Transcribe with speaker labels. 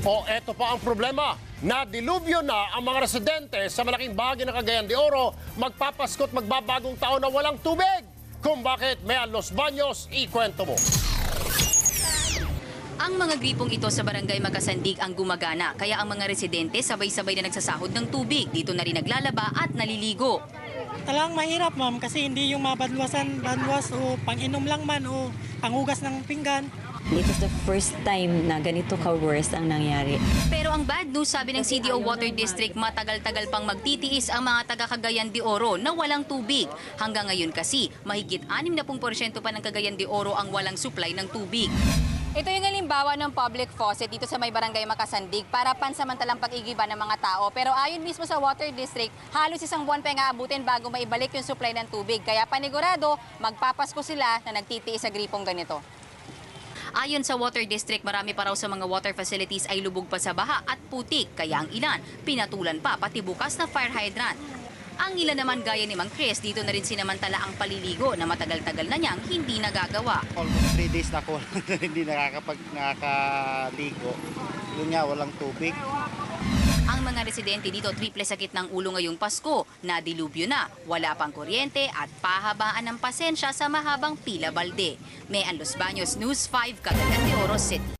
Speaker 1: O eto pa ang problema, nadilubyo na ang mga residente sa malaking bahagi ng Cagayan de Oro, magpapasko't magbabagong taon na walang tubig. Kung bakit may Los Baños, ikwento mo.
Speaker 2: Ang mga gripong ito sa barangay Magkasandig ang gumagana, kaya ang mga residente sabay-sabay na nagsasahod ng tubig. Dito na rin naglalaba at naliligo.
Speaker 3: Talagang mahirap, ma'am, kasi hindi yung banwas o pang-inom lang man o panghugas ng pinggan.
Speaker 4: It was the first time na ganito ka-worst ang nangyari.
Speaker 2: Pero ang bad news, sabi ng CDO Water District, matagal-tagal pang magtitiis ang mga taga Cagayan de Oro na walang tubig. Hanggang ngayon kasi, mahigit 60% pa ng Cagayan de Oro ang walang supply ng tubig.
Speaker 5: Ito yung halimbawa ng public faucet dito sa may barangay Magkasandig para pansamantalang pag-igiba ng mga tao. Pero ayon mismo sa Water District, halos isang buwan pa yung aabutin bago maibalik yung supply ng tubig. Kaya panigurado, magpapasko sila na nagtitiis sa gripong ganito.
Speaker 2: Ayon sa Water District, marami pa raw sa mga water facilities ay lubog pa sa baha at putik, kaya ang ilan pinatulan pa pati bukas na fire hydrant. Ang ilan naman gaya ni Mang Chris, dito na rin sinamantala ang paliligo na matagal-tagal na niyang hindi nagagawa.
Speaker 6: Almost 3 days na ako hindi nakakaligo. Yun nga, walang tubig.
Speaker 2: Ang mga residente dito triple sakit ng ulo ngayong Pasko, nadilubyo na, wala pang kuryente at pahabaan ng pasensya sa mahabang pila balde. May Los Baños News 5, Cagayan de Oro City.